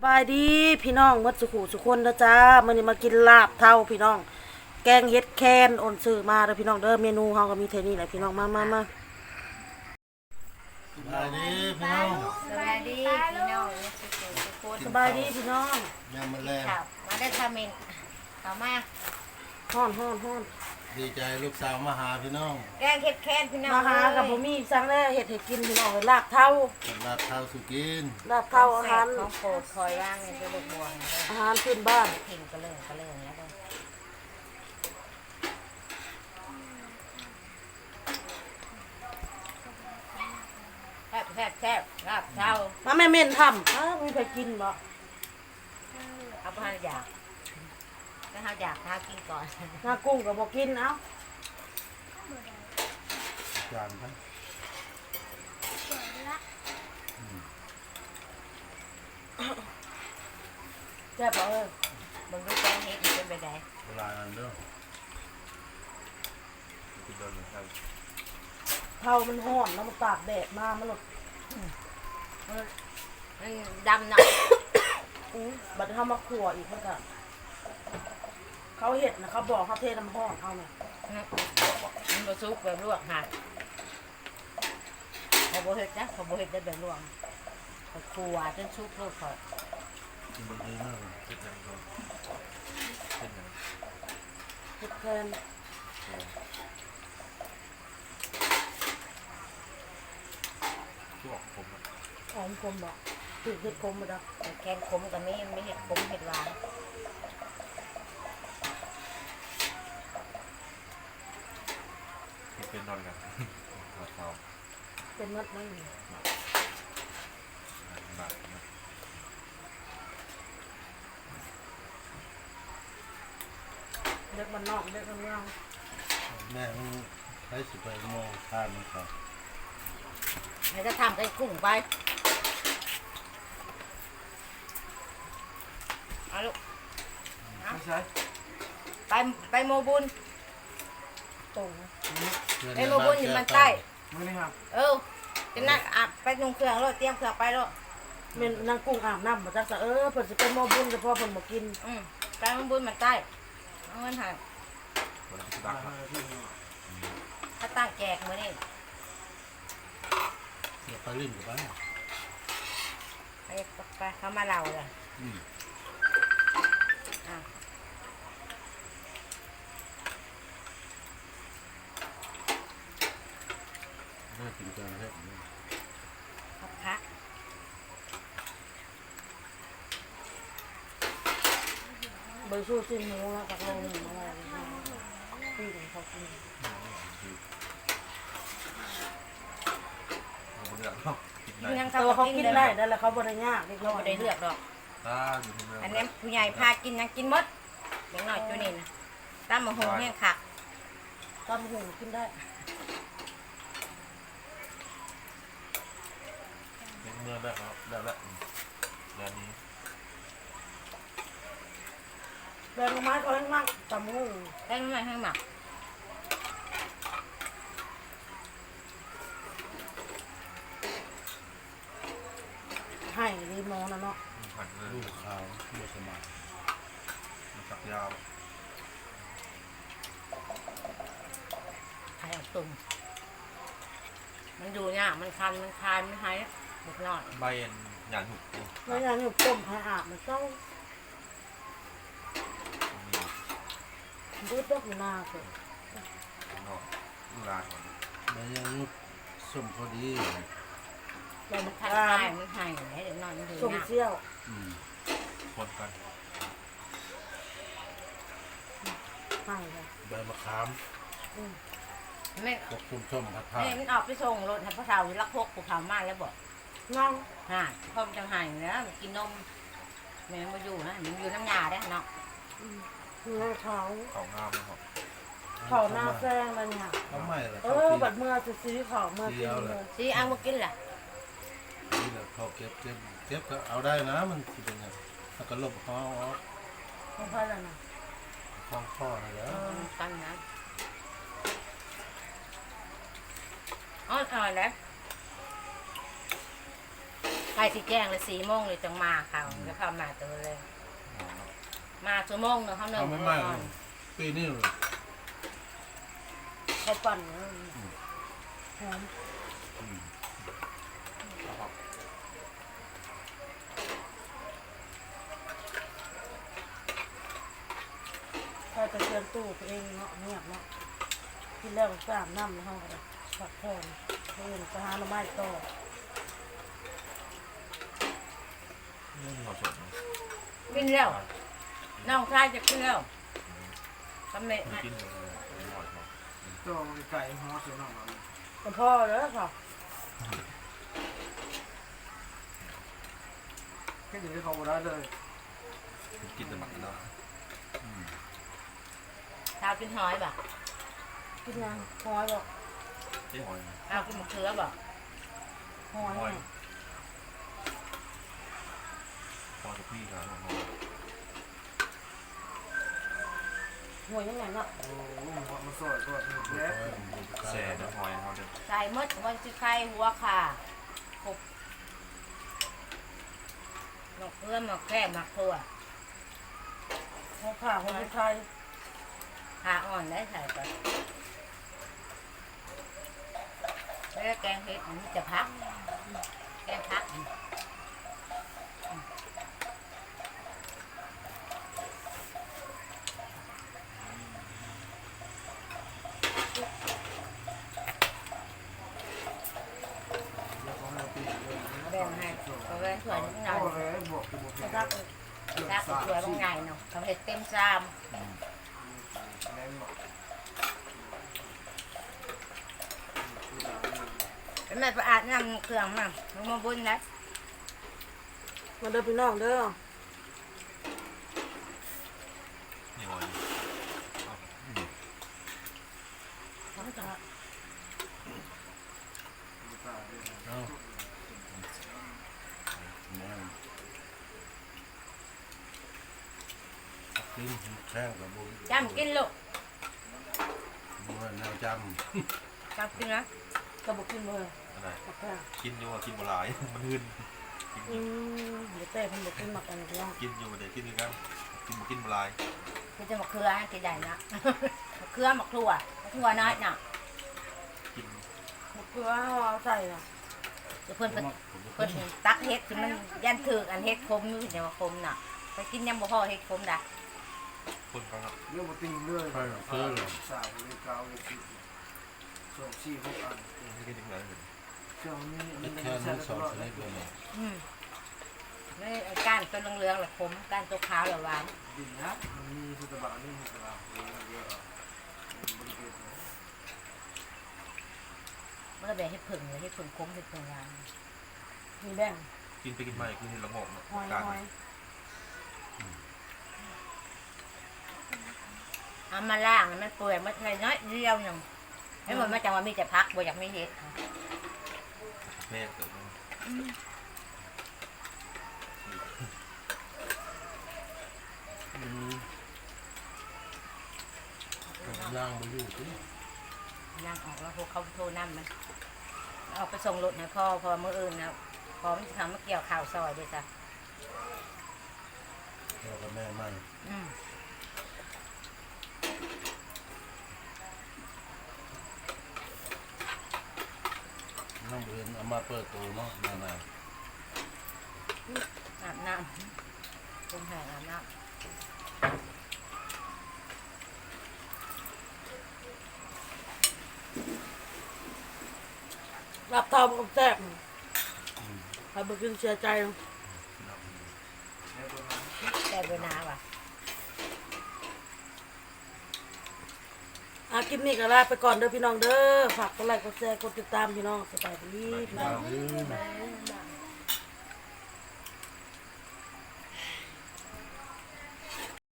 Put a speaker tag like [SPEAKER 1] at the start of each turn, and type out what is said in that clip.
[SPEAKER 1] บายดีพี่น้องหมดสุขุสุคนนะจ้ามื้อนี้มากินลาบเท่าพี่น้องแกงเฮ็ดแคนโอนซื้อมาเด้อพี่น้องเด้อเมนูเฮาก็มีเท่านี้แหละพี่น้องมา
[SPEAKER 2] สบายดีพี่น้อง
[SPEAKER 3] สวัสดีพี่น้องทุกคน
[SPEAKER 1] สบายดีพี่น้อง
[SPEAKER 2] ยามมาแรง
[SPEAKER 3] ข่าวมาได้คอมเมนต์ข่าวมา
[SPEAKER 1] ฮ้อน
[SPEAKER 2] ดีใจลูกสาวมาหาพี่น้อง
[SPEAKER 3] แกงเห็ดแค้นพี่น้อง
[SPEAKER 1] มาหากับบ่มีสั่งแล้วเฮ็ดให้กินพี่น้องลาบเท่า
[SPEAKER 2] กับลาดข้าวสุกิน
[SPEAKER 1] ลาบเท่าอาหาร
[SPEAKER 3] ของโปรดคอยว่างเนี่ยจะลูกบวงเลย
[SPEAKER 1] อาหารพื้นบ้าน
[SPEAKER 3] ถิ่นกระเลิงแล้วก็แซ่บลาบเช้า
[SPEAKER 1] มาแม่เม่นทำมีใครกินบ่
[SPEAKER 3] เอาไปอยากถ้าเขาอยากพากินก่อน
[SPEAKER 1] หน้ากุ้งก็บ่กินเอ้า
[SPEAKER 2] จานครับ
[SPEAKER 1] แซ่บบ่เอ้ย
[SPEAKER 3] มึงดูแกงเห็ดเป็นไปได้
[SPEAKER 2] เวลานั้นเด้อ
[SPEAKER 1] เท่ามันฮ้อนแล้วมันตากแดดมามันหลด
[SPEAKER 3] มันดำหนัก
[SPEAKER 1] บัดเฮามาคั่วอีกมันก็เขาเฮ็ดนะเขาบอกเขาเทน้ำร้อนเอาแม่
[SPEAKER 3] มันบะซุกแบบลวกหัดเขาโบเห็ดนะเขาโบเห็ดได้แบบลวกเขาครัวจนซุกลูกเขา
[SPEAKER 2] กินบางทีมากเลย
[SPEAKER 1] เฮ็ดแทน หอมกลมบ่ถือเห็ดกลมบ่ดอก
[SPEAKER 3] แกงขมกับไม่เห็ดขมเห็ดหวาน
[SPEAKER 4] เป็นนอนกันเราเท้า
[SPEAKER 1] เป็นมัดนั่น
[SPEAKER 4] บาด
[SPEAKER 1] เด็กมันนอกเด็กมันเมือง
[SPEAKER 2] แม่มันใช้สิบไปโมงทานมันก่อน
[SPEAKER 3] แล้วจะทำไอ้กุ้งไปเอาลูก
[SPEAKER 4] ไม่ใช่
[SPEAKER 3] ไปโมบุญ
[SPEAKER 1] ตรง
[SPEAKER 3] ไปโมบุญอยู่มันใต้
[SPEAKER 4] ไม่ได้ครับ
[SPEAKER 3] จะนั่งอาบไปนุ่งเครื่องรถเตรียมเครื่องไปรถ
[SPEAKER 1] แม่นนางกุ้งอาบน้ำบ่จักซะเพิ่นสิเป็นหม้อบุญเฉพาะเพิ่นบ่กิน
[SPEAKER 3] ไปโมบุญมันใต้เอาเงินหา
[SPEAKER 4] วันที่ดักครับ
[SPEAKER 3] ถ้าตั้งแจกมื้อนี้
[SPEAKER 2] เดี๋ยวไปลิ้นกับบ้าน
[SPEAKER 3] ไปเขามาเล่าเลย
[SPEAKER 2] อืม
[SPEAKER 3] อ่ะ
[SPEAKER 2] น่ากินจังเลย
[SPEAKER 3] เอาพัก
[SPEAKER 1] เบอร์ชูซิหมูแล้วกับโลนึงอะไรพี่ของเขากิน
[SPEAKER 4] เราไม่ได้หรอกกินได้
[SPEAKER 3] ยัง
[SPEAKER 1] แต่ว่าเขากินได้นั่นแหละเขาบ่ได้ยากเด็กน้
[SPEAKER 3] เรา
[SPEAKER 1] อย
[SPEAKER 3] ไม่ได้เลือกหรอก
[SPEAKER 4] ตาอยู่ที่เมือง
[SPEAKER 3] อันนี้ผู้ใหญ่พากินยังกินหมดเด็กหน่อยตัวนี้นะตั้มมะฮงแห้งขัก
[SPEAKER 1] ตำหูกินได้
[SPEAKER 4] เมืองได้ครับได้แล้วแล้วนี้
[SPEAKER 1] แบงไม้ก็ให้มากตำหู
[SPEAKER 3] ได้ไม่ให้หมัก
[SPEAKER 1] ให้รีโมนะเนาะ
[SPEAKER 4] ผัดเลย
[SPEAKER 2] ลูกขาวลูกสมัย
[SPEAKER 4] มาจับยาว
[SPEAKER 3] ไข่ตุ่มมันอยู่เนี่ยมันคันมันคายมันหายเด็กหน่อย
[SPEAKER 4] ใบเอ็นหยาดหุบ
[SPEAKER 1] แล้วอย่างนี้ต้มให้อาบมันต้องดูดอกหน้าเกิน
[SPEAKER 4] นอกลูกลาก่อน
[SPEAKER 2] แม่ยังลูกส้มพอดี
[SPEAKER 1] แล้วมัน
[SPEAKER 3] คัน
[SPEAKER 1] กา
[SPEAKER 3] คายมันหายให้เด็กหน่อยมันอยู่
[SPEAKER 1] ส้ม
[SPEAKER 3] เนี่ย
[SPEAKER 1] เชี่ยว
[SPEAKER 2] อืม
[SPEAKER 4] คนกัน
[SPEAKER 1] ให้เลย
[SPEAKER 2] ใบมะขาม
[SPEAKER 3] ไม่
[SPEAKER 2] พวกคุณส้มผัดผ้า
[SPEAKER 3] ไม่มันออกไปส่งรถให้พ่อเฒ่าอยู่ลักพกผู้เฒ่ามาแล้วบอก
[SPEAKER 1] น้อง
[SPEAKER 3] ฮะพ่อมันจะหายนะมันกินนมแม่มาอยู่นะมันอยู่น้ำยาได้เนาะ
[SPEAKER 1] เนื้อเขา
[SPEAKER 4] เขางามนะครับ
[SPEAKER 1] เขาหน้าแซงเลยเนี่ย
[SPEAKER 2] เขาไม่ละ
[SPEAKER 1] บัดเมื่อจะซื้อของเมื่อกินเลย
[SPEAKER 3] ซีเอามากินแหละ
[SPEAKER 2] นี่แหละเขาเก็บก็เอาได้นะมันสิเป็นไงถ้าก็ลบเขาออก
[SPEAKER 1] ไม่ค่อยแล้วนะ
[SPEAKER 2] คล้องข้อนะแล้ว
[SPEAKER 3] กันนะอ๋ออร่อยนะใครสิแจ้งเลย4 โมงเลยจังมาเขาจะเข้ามาตัวเลย มาชั่วโมงเนาะเขาหนึ่ง
[SPEAKER 2] เอาไม่ไหม้ปีนี้เลย
[SPEAKER 1] เขาปั่นหอมใครไปเชิญตู้ตัวเองเนาะเงียบเนาะกินแล้วก็อาบน้ำในห้องก็ได้พักผ่อนเดินไปหาหน่อไม้ต่อ
[SPEAKER 4] นี่มีความสด
[SPEAKER 3] กินแล้วน้องชายจะกินแล้วทำไม
[SPEAKER 4] กินเลยอร่อยมาก
[SPEAKER 5] ตัวไก่ฮอสเนาะ
[SPEAKER 1] แต่พ่อแล้วค่ะ
[SPEAKER 5] แค่ถึงได้เขาบ่ได้เลย
[SPEAKER 4] กินแต่หมักแล้ว
[SPEAKER 3] ชาวกินหอยบ่
[SPEAKER 1] กินยังหอยบอก
[SPEAKER 4] เจ๊หอย
[SPEAKER 3] เอากินมะเขือบ่
[SPEAKER 1] หอย
[SPEAKER 4] หอย
[SPEAKER 1] เนี่ย
[SPEAKER 4] พอกับพี่ครับ
[SPEAKER 1] หอยยังไงเนาะ
[SPEAKER 5] โอ้โหมาสอยก่อนแล้
[SPEAKER 4] แซ่บหอยเขาเด็ด
[SPEAKER 3] ใส่มดวันสิไข่หัวค่ะกบนกเอื้อมนกแค่หมักถั่ว
[SPEAKER 1] หัวขาหัวไทย
[SPEAKER 3] ขาอ่อนได้ใส่ไปแล้วแกงเห็ดมันจะพักแกงพัก แบ่งให้เขาแบ่งถ้วยนิดหน่อย
[SPEAKER 5] ก็เลยบวกบวก
[SPEAKER 1] จะรัก
[SPEAKER 3] รักถ้วยบางไงเนาะเขาเห็ดเต็มชาม
[SPEAKER 5] แรงหมด
[SPEAKER 3] แล้วแม่ไปอาบน้ำเครื่องมั่งลงมาบุญนะ
[SPEAKER 1] มาเด้อพี่น้องเด้อ
[SPEAKER 4] นี่หอย
[SPEAKER 1] ทั้งจะ
[SPEAKER 2] เอากินแข้งกับบุญ
[SPEAKER 3] จำกินลูก
[SPEAKER 2] บุญแนวจ
[SPEAKER 3] จำกินนะ
[SPEAKER 1] กระบอกกินเลย
[SPEAKER 4] อะไร
[SPEAKER 1] กับข้าว
[SPEAKER 4] กินอยู่กินบหลายมันหืน
[SPEAKER 1] เดี๋ยวเต้เพิ่นบอกกินหมักกันพี่น้อง
[SPEAKER 4] กินอยู่เดี๋ยวกินกันกินบหลาย
[SPEAKER 3] คือจะมะเขือให้กินได้นะมะเขือมะครัวมะครัวน้อยน่ะ
[SPEAKER 4] กิน
[SPEAKER 1] มะเขือเอาใส่น่ะ
[SPEAKER 3] เดี๋ยวเพิ่นตักเห็ดที่มันยันถืออันเห็ดคมอยู่เดี๋ยวมาคมน่ะไปกินยังบ่พอเห็ดคมด่ะ
[SPEAKER 4] คนฟังครับ
[SPEAKER 5] เรื่องมาติงเรื่อย
[SPEAKER 2] ำไปซื้อเลย
[SPEAKER 5] สาวเลยเก้าเลยสิสองสี่หกอัน
[SPEAKER 4] ไม่กินยังไงเลย
[SPEAKER 5] เจ้านี่
[SPEAKER 2] นี่
[SPEAKER 5] มัน
[SPEAKER 2] แค่
[SPEAKER 5] ใช้
[SPEAKER 2] นี้
[SPEAKER 5] ต
[SPEAKER 2] สอง
[SPEAKER 5] ลอด
[SPEAKER 2] ชนิดเลยเนี่ย
[SPEAKER 3] นี่ไอ้ก้านตัวเหลืองๆแหละคมก้านตัวขาวแหละหวาน
[SPEAKER 5] ดินนะมันมีสุตบะนี่สุตบะเยอะบริเวณ
[SPEAKER 3] มันก็แบบเห็ดผึ่งเลยเห็ดผึ่งคมเห็ดผึ่งหวาน
[SPEAKER 1] มีแบ่ง
[SPEAKER 4] กินไปกินมาคือเห็นละงอกเนาะ
[SPEAKER 1] หอย
[SPEAKER 4] การ
[SPEAKER 1] หอย
[SPEAKER 3] เอามาล่างมันเปื่อยมันน้อยเดียวหนึ่งให้มันมาจังว่ามีแต่พักบ่อยากไม่เห็ด
[SPEAKER 4] แม่เกิด
[SPEAKER 2] ย่างมาอยู่สิ
[SPEAKER 3] นั่งออกแล้วพวกเขาโทรนั่มันออกไปส่งรถให้พ่อพอมื้ออื่นนะพอมันจะทำมาเกี่ยวข่าวซอยด้วยจ้ะ
[SPEAKER 2] เรากับแม่มัน
[SPEAKER 3] อืม
[SPEAKER 2] น้องเรียนเอามาเปิดตัวเนาะนาน
[SPEAKER 3] อาบน้ำคุณแห่อาบน้
[SPEAKER 1] รับทอมกับแซ่บใครบอกกินเสียใจ
[SPEAKER 3] ำแต่เวลาว่ะ
[SPEAKER 1] คลิปนี้ก็ลาไปก่อนเด้อพี่น้องเด้อฝากกดไลค์กดแชร์กดติดตามพี่น้องสบายดีพี่น้อง
[SPEAKER 2] ๆ
[SPEAKER 3] บ๊ายบาย